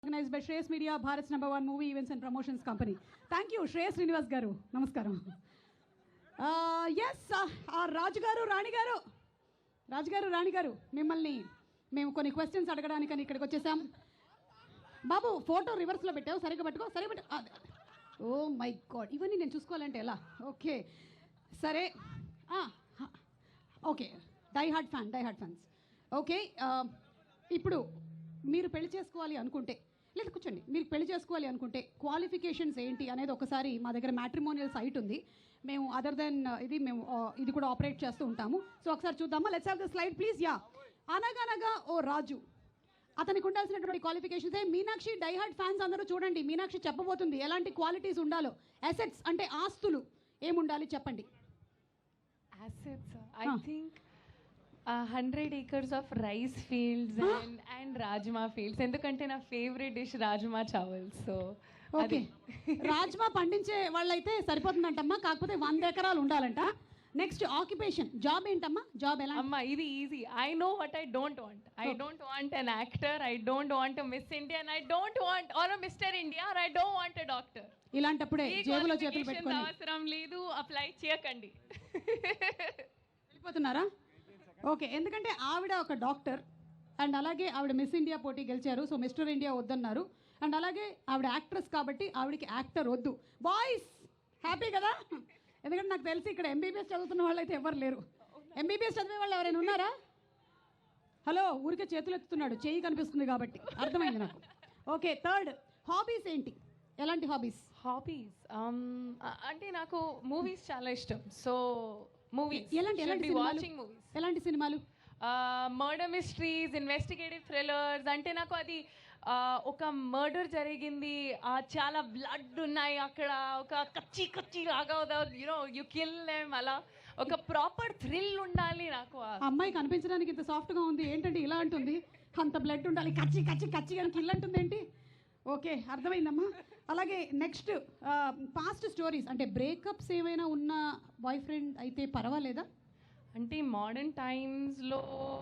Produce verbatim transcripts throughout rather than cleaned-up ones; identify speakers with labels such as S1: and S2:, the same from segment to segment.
S1: Organized by Shreyas Media, Bharat's number one movie events and promotions company. Thank you, Shreyas Srinivas garu. Namaskaram. Uh, yes, uh, Raj garu, Rani garu. Raj garu, Rani garu. మిమ్మల్ని మేము కొన్ని questions అడగడానికని ఇక్కడికి వచ్చేసాం. బాబు photo రివర్స్లో పెట్టావు, సరిగ్గా పట్టుకో, సరిగ్గా పెట్టు. ఓ మై గాడ్, ఇవన్నీ నేను చూసుకోవాలంటే ఎలా? ఓకే సరే, okay, die hard fan, die hard fans. Okay, ఇప్పుడు మీరు పెళ్లి చేసుకోవాలి అనుకుంటే, లేదు కూర్చోండి, మీరు పెళ్లి చేసుకోవాలి అనుకుంటే క్వాలిఫికేషన్స్ ఏంటి అనేది ఒకసారి మా దగ్గర మ్యాట్రిమోనియల్ సైట్ ఉంది, మేము అదర్ దెన్ ఇది మేము ఇది కూడా ఆపరేట్ చేస్తూ ఉంటాము. సో ఒకసారి చూద్దామా? Let's have the slide please. Yeah, అనగనగా ఓ రాజు, అతనికి ఉండాల్సినటువంటి qualifications. Meenakshi die hard fans అందరూ చూడండి, మీనాక్షి చెప్పబోతుంది ఎలాంటి క్వాలిటీస్ ఉండాలో. అసెట్స్ అంటే ఆస్తులు ఏముండాలి చెప్పండి.
S2: Assets I think hundred acres of rice fields and and rajma fields, ఎందుకంటే నా favourite dish rajma chawal. So
S1: okay, rajma పండించే వాళ్ళైతే సరిపోతుందంటమ్మా, కాకపోతే వంద ఎకరాలు ఉండాలంట. నెక్స్ట్ ఆక్యుపేషన్, జాబ్ ఏంటమ్మా? జాబ్ ఎలా?
S2: అమ్మా ఇది easy. I know what I don't want. I don't want an actor, I don't want miss India, and I don't want or mister India, or I don't want a doctor.
S1: ఇలాంటప్పుడే జేబులో చేతులు పెట్టుకొని
S2: అవసరం లేదు, apply చేయకండి.
S1: వెళ్ళిపోతున్నారా? Okay, ఎందుకంటే ఆవిడ ఒక డాక్టర్ అండ్ అలాగే ఆవిడ మిస్ ఇండియా పోటీ గెలిచారు, సో మిస్టర్ ఇండియా వద్దన్నారు. అండ్ అలాగే ఆవిడ యాక్ట్రెస్ కాబట్టి ఆవిడకి యాక్టర్ వద్దు. బాయ్స్ హ్యాపీ కదా? ఎందుకంటే నాకు తెలిసి ఇక్కడ ఎంబీబీఎస్ చదువుతున్న వాళ్ళు అయితే ఎవరు లేరు. ఎంబీబీఎస్ చదివే వాళ్ళు ఎవరైనా ఉన్నారా? హలో, ఊరికే చేతులు ఎత్తుతున్నాడు, చెయ్యి కనిపిస్తుంది కాబట్టి అర్థమైంది నాకు. ఓకే, థర్డ్ హాబీస్ ఏంటి? ఎలాంటి హాబీస్?
S2: హాబీస్ అంటే నాకు మూవీస్ చాలా ఇష్టం. సో మూవీస్,
S1: ఎలాంటి ఎలాంటి
S2: వాచింగ్ మూవీస్.
S1: ఎలాంటి సినిమాలు?
S2: Murder mysteries, investigative thrillers. అంటే నాకు అది ఒక మర్డర్ జరిగింది, చాలా బ్లడ్ ఉన్నాయి అక్కడ, ఒక కచ్చి కచ్చి లాగా యూనో యు కిల్ దెమ్, అలా ఒక ప్రాపర్ థ్రిల్ ఉండాలి నాకు.
S1: అమ్మాయి కనిపించడానికి ఇంత సాఫ్ట్గా ఉంది ఏంటంటే ఇలా అంటుంది, అంత బ్లడ్ ఉండాలి, కచ్చి కచ్చి కచ్చి కానీ కిల్ అంటుంది ఏంటి? ఓకే, అర్థమైందమ్మా. అలాగే నెక్స్ట్ పాస్ట్ స్టోరీస్, అంటే బ్రేకప్స్ ఏమైనా ఉన్న బాయ్ ఫ్రెండ్ అయితే పర్వాలేదా?
S2: అంటే మోడర్న్ టైమ్స్లో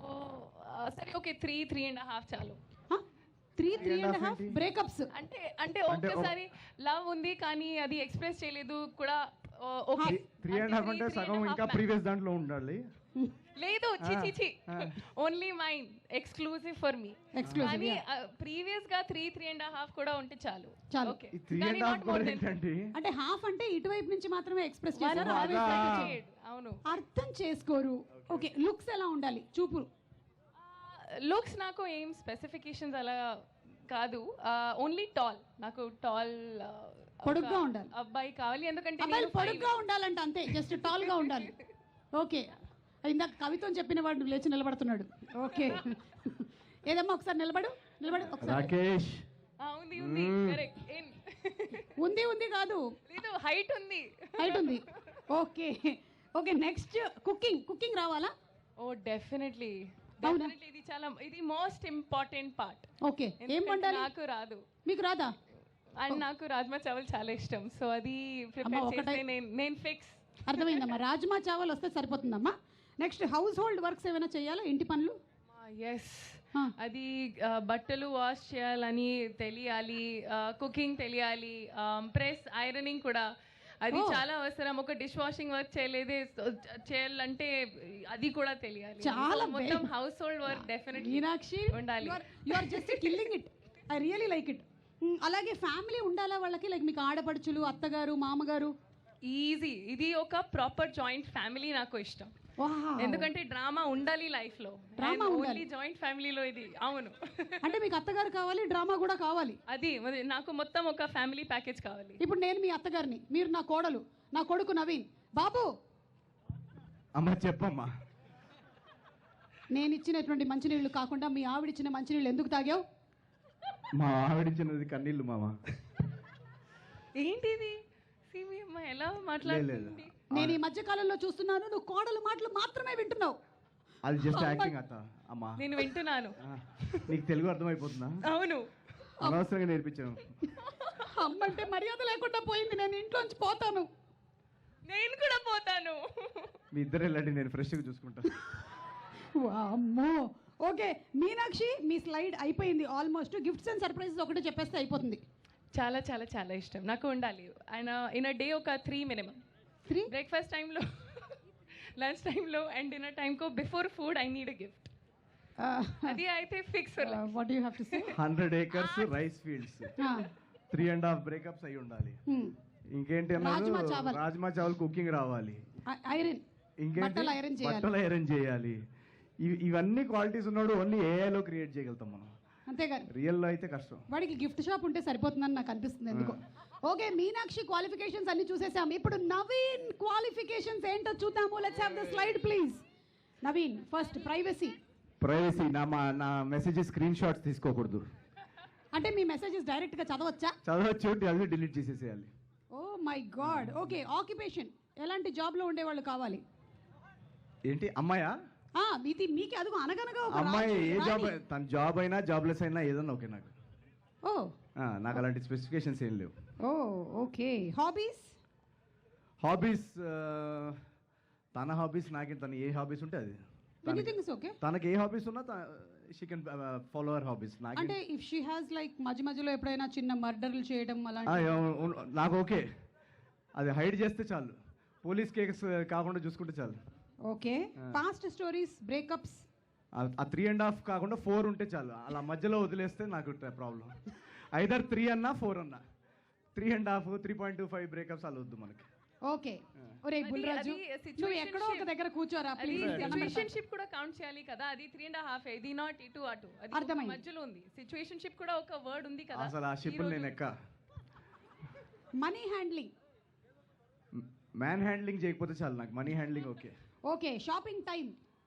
S2: సరే okay, three three and half చాలు.
S1: Three three and half breakups
S2: అంటే అంటే ఒక్కసారి లవ్ ఉంది కానీ అది ఎక్స్ప్రెస్ చేయలేదు కూడా. ఓకే,
S3: త్రీ అండ్ హాఫ్ అంటే సగం ఇంకా ప్రీవియస్ దాంట్లో ఉండాలి.
S2: లేదు, చి చి only mine, exclusive for me. కానీ ప్రీవియస్ గా త్రీ త్రీ అండ్ హాఫ్ కూడా ఉంటే చాలు.
S1: చాలు.
S3: త్రీ అండ్ హాఫ్
S1: అంటే హాఫ్ అంటే ఇటువైపు నుంచి మాత్రమే ఎక్స్ప్రెస్ చేశారు.
S2: అవును,
S1: అర్థం చేసుకోరు. ఓకే, లుక్స్ ఎలా ఉండాలి? చూపు
S2: లుక్స్ నాకు ఏం స్పెసిఫికేషన్స్ అలా కాదు, ఓన్లీ టాల్. నాకు టాల్
S1: పొడుగ్గా ఉండాలి
S2: అబ్బాయి కావాలి, ఎందుకంటే
S1: పొడుగ్గా ఉండాలంట, అంతే, జస్ట్ టాల్ గా ఉండాలి. ఓకే, ఇందాక కవిత్వం చెప్పిన వాడు లేచి నిలబడుతున్నాడు. ఓకే, ఏదమ్మా ఒకసారి నిలబడు, నిలబడు ఒకసారి.
S3: రాకేష్
S2: ఉంది ఉంది కరెక్ట్.
S1: ఉంది ఉంది కాదు,
S2: లేదు హైట్ ఉంది,
S1: హైట్ ఉంది. Okay okay, next cooking. Cooking రావాలా?
S2: ఓ డెఫినెట్లీ డెఫినెట్లీ, ఇది చాలా ఇది మోస్ట్ ఇంపార్టెంట్ పార్ట్.
S1: ఓకే, ఏం వండాలి?
S2: నాకు రాదు.
S1: మీకు రాదా?
S2: అండ్ నాకు రాజ్మా చావల్ చాలా ఇష్టం, సో అది ప్రిపేర్ చేస్తే నేను నేను ఫిక్స్.
S1: అర్థమైందమ్మా, రాజ్మా చావల్ వస్తే సరిపోతుందమ్మా. నెక్స్ట్ హౌస్ హోల్డ్ వర్క్స్ ఏమైనా చేయాలా? ఇంటి పనులు?
S2: ఎస్, అది బట్టలు వాష్ చేయాలని తెలియాలి, కుకింగ్ తెలియాలి, ప్రెస్ ఐరనింగ్ కూడా అది చాలా అవసరం. ఒక డిష్ వాషింగ్ వర్క్ చేయలేదే చేయాలంటే అది కూడా తెలియాలి.
S1: చాలా
S2: మొత్తం household work definitely
S1: Meenakshi
S2: ఉండాలి.
S1: You are just killing it, I really like it. అలాగే ఫ్యామిలీ ఉండాలా వాళ్ళకి? లైక్ మీకు ఆడపడుచులు, అత్తగారు, మామగారు?
S2: ఈజీ, ఇది ఒక ప్రాపర్ జాయింట్ ఫ్యామిలీ నాకు ఇష్టం. ఎందుకంటే డ్రామా ఉండాలి లైఫ్ లో,
S1: డ్రామా ఉండాలి
S2: జాయింట్ ఫ్యామిలీలో. ఇది అవును,
S1: అంటే మీకు అత్తగారు కావాలి, డ్రామా కూడా కావాలి.
S2: అది నాకు మొత్తం ఒక ఫ్యామిలీ ప్యాకేజ్ కావాలి.
S1: ఇప్పుడు నేను మీ అత్తగారిని, మీరు నా కోడలు, నా కొడుకు నవీన్. బాబు
S3: అమ్మ చెప్పమ్మా,
S1: నేను ఇచ్చినటువంటి మంచినీళ్ళు కాకుండా మీ ఆవిడిచ్చిన మంచినీళ్ళు ఎందుకు తాగావు?
S3: మా ఆవిడిచ్చినది కన్నీళ్ళు మామ.
S2: ఏంటిది ఎలా మాట్లాడుతుంది?
S1: నేను ఈ మధ్య కాలంలో చూస్తున్నాను, నువ్వు కోడలు మాటలు మాత్రమే వింటున్నావు.
S3: అది జస్ట్ యాక్టింగ్ అత్త. అమ్మా
S2: నేను వింటున్నాను.
S3: నీకు తెలుగు అర్థమైపోతుందా?
S2: అవును,
S3: అనవసరంగా నేర్పించాను.
S1: అమ్మంటే మర్యాద లేకుండా పోయింది, నేను ఇంట్లోంచి పోతాను.
S2: నేను కూడా పోతాను.
S3: మీ ఇద్దరు వెళ్ళండి, నేను ఫ్రెష్గా చూసుకుంటా.
S1: అమ్మో, ఓకే మీనాక్షి మీ స్లైడ్ అయిపోయింది ఆల్మోస్ట్ గిఫ్ట్స్ అండ్ సర్ప్రైజెస్ ఒకటే చెప్పేస్తే అయిపోతుంది.
S2: చాలా చాలా చాలా ఇష్టం నాకు ఉండాలి. ఆయన ఇన్ అ డే ఒక త్రీ మినిమం,
S1: త్రీ
S2: బ్రేక్ఫాస్ట్ టైంలో, లంచ్ టైంలో అండ్ డిన్నర్ టైంకో before food I need a gift. అది అయితే fix.
S1: What you have to say?
S3: Hundred acres rice fields, three and half breakups అయి ఉండాలి. ఇంకేంటి అన్నారు?
S1: రాజ్మా చావల్.
S3: రాజ్మా చావల్ కుకింగ్ రావాలి.
S1: ఐరన్
S3: ఇంకేంటి?
S1: బట్టలు ఐరన్ చేయాలి.
S3: బట్టలు ఐరన్ చేయాలి. ఇవి- ఇవన్నీ క్వాలిటీస్ ఉన్నాడు ఓన్లీ ఏఐలో క్రియేట్ చేయగలుగుతాం మనం.
S1: అంతేగాని
S3: రియల్ లో అయితే కష్టం.
S1: వాడికి గిఫ్ట్ షాప్ ఉంటే సరిపోతుందని నాకు అనిపిస్తుంది ఎందుకో. ఓకే మీనాక్షి క్వాలిఫికేషన్స్ అన్ని చూసేసాం. ఇప్పుడు నవీన్ క్వాలిఫికేషన్స్ ఏంటో చూద్దాము. Let's have the slide please. Naveen first privacy.
S3: Privacy, నా మా నా మెసేజ్ స్క్రీన్ షాట్స్ తీసుకోకూడదు.
S1: అంటే మీ మెసేజెస్ డైరెక్ట్ గా చదవచ్చా?
S3: చదవచ్చు, అది డిలీట్ చేసేసేయాలి.
S1: Oh my god. Okay occupation, ఎలాంటి జాబ్ లో ఉండేవాళ్ళు కావాలి?
S3: ఏంటి అమ్మాయా?
S1: ఆ మీది మీకే అదుగు అనగనగా ఒక
S3: అమ్మాయి
S1: రాజు-
S3: ఏ జాబ్,
S1: రాణి.
S3: తన జాబ్ అయినా జాబ్లెస్ అయినా ఏదన్నా ఓకే నాకు.
S1: ఓ
S3: ఆ, నాకు అలాంటి స్పెసిఫికేషన్స్ ఏం లేవు.
S1: Oh okay hobbies.
S3: హాబీస్, తన హాబీస్ నాకే, తన ఏ హాబీస్ ఉంటే అది. తనకి-
S1: ఎనీథింగ్ ఇస్ ఓకే.
S3: తనకి ఏ హాబీస్ ఉన్నా she can follow our hobbies. నాకు
S1: అంటే ఇఫ్ షీ హాస్ లైక్ మధ్య మధ్యలో ఎప్పుడైనా చిన్న మర్డర్లు చేయడం
S3: ఆ,
S1: అలాంటి.
S3: ఎవ- ఉన్- నాకు ఓకే, అది హైడ్ చేస్తే చాలు, పోలీస్ కేసు కాకుండా చూసుకుంటే చాలు.
S1: Okay past stories, breakups.
S3: ఆ- ఆ త్రీ అండ్ హాఫ్ కాకుండా ఫోర్ ఉంటే చాలు. అలా మధ్యలో వదిలేస్తే నాకు ప్రాబ్లం. ఐదర్ త్రీ అన్నా ఫోర్ అన్నా, three and half, three point two five breakups అలా వద్దు మనకి.
S1: ఓకే ఒరే
S2: అది-
S1: బుల్రాజు
S2: అది
S1: నువ్వు ఎక్కడో ఒక దగ్గర కూర్చోరా
S2: అది
S1: ప్లీజ్.
S2: సిచ్యువేషన్షిప్ కూడా కౌంట్ చేయాలి కదా. అది త్రీ అండ్ హాఫ్, ఇది నాట్ ఇటు అటు, అది ఒక
S1: అర్థమైంది.
S2: మధ్యలో ఉంది. సిచ్యువేషన్షిప్ కూడా ఒక వర్డ్ ఉంది కదా.
S3: అసలు ఆ షిప్ నేను ఎక్క.
S1: Money handling.
S3: మ్యాన్ హ్యాండ్లింగ్ చేయకపోతే చాలు నాకు, money handling okay.
S1: Okay shopping time.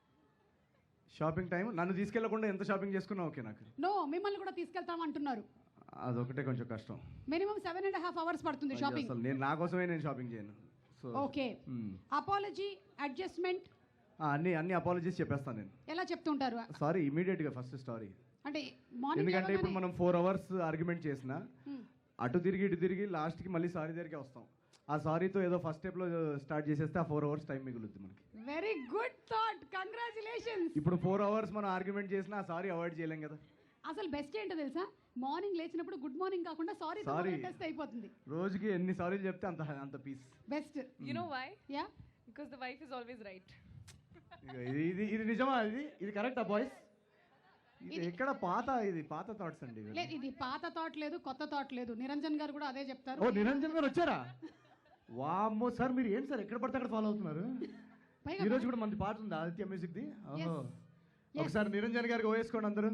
S3: Shopping time నన్ను తీసుకెళ్లకుండా ఎంత షాపింగ్ చేసుకున్నా ఓకే నాకు.
S1: నో మిమ్మల్ని కూడా తీసుకెళ్తాం అంటున్నారు.
S3: అదొకటే కొంచెం కష్టం.
S1: Minimum seven and half hours పడుతుంది షాపింగ్.
S3: అసలు నేను నా కోసమే నేను షాపింగ్ చేయను. So
S1: okay apology, adjustment.
S3: అన్ని అన్ని అపాలజీస్ చెప్పేస్తాను నేను.
S1: ఎలా చెప్తుంటారు?
S3: సారీ ఇమీడియట్ గా ఫస్ట్ సారీ.
S1: అంటే మార్నింగ్
S3: ఎందుకంటే ఇప్పుడు మనం ఫోర్ అవర్స్ ఆర్గ్యుమెంట్ చేసిన అటు తిరిగి ఇటు తిరిగి లాస్ట్ కి మళ్ళీ సారీ దగ్గరికి వస్తాం. ఆ సారీతో ఏదో ఫస్ట్ స్టెప్ లో స్టార్ట్ చేసేస్తే ఆ ఫోర్ అవర్స్ టైం మిగులుద్ది మనకి.
S1: Very good thought, congratulations.
S3: ఇప్పుడు ఫోర్ అవర్స్ మనం ఆర్గ్యుమెంట్ చేసినా ఆ సారీ అవాయిడ్ చేయలేం కదా.
S1: అసలు బెస్ట్ ఏంటో తెలుసా? మార్నింగ్ లేచినప్పుడు గుడ్ మార్నింగ్ కాకుండా సారీ
S3: Sorry.
S1: టెస్ట్ అయిపోతుంది.
S3: రోజుకి ఎన్ని సారీలు చెప్తే అంత అంత peace.
S1: Best.
S2: You know why?
S1: Yeah
S2: because the wife is always right.
S3: ఇది ఇది ఇది నిజమా? ఇది ఇది కరెక్టా బాయ్స్? ఇది ఎక్కడ పాత, ఇది పాత థాట్స్ అండి ఇవి.
S1: లేదు ఇది పాత థాట్ లేదు, కొత్త థాట్ లేదు. నిరంజన్ గారు కూడా అదే చెప్తారు.
S3: ఓ నిరంజన్ గారు వచ్చారా? వామ్మో సార్, మీరు ఏంటి సార్ ఎక్కడ పడితే అక్కడ ఫాలో అవుతున్నారు?
S1: పైగా
S3: ఈ రోజు కూడా మంది పాట ఉంది ఆదిత్య మ్యూజిక్ ది. ఓహో,
S1: Yes.
S3: ఒకసారి నిరంజన్ గారికి ఓవేసుకోండి అందరూ.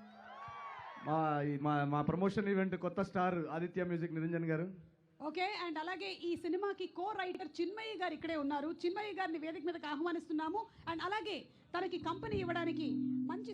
S3: మా ఈ- మా మా ప్రమోషన్ ఈవెంట్ కొత్త స్టార్ ఆదిత్య మ్యూజిక్ నిరంజన్ గారు.
S1: ఓకే అండ్ అలాగే ఈ సినిమాకి కో రైటర్ చిన్మయ్య గారు ఇక్కడే ఉన్నారు. చిన్మయ్య గారిని వేదిక మీదకి ఆహ్వానిస్తున్నాము. అండ్ అలాగే తనకి కంపెనీ ఇవ్వడానికి మంచి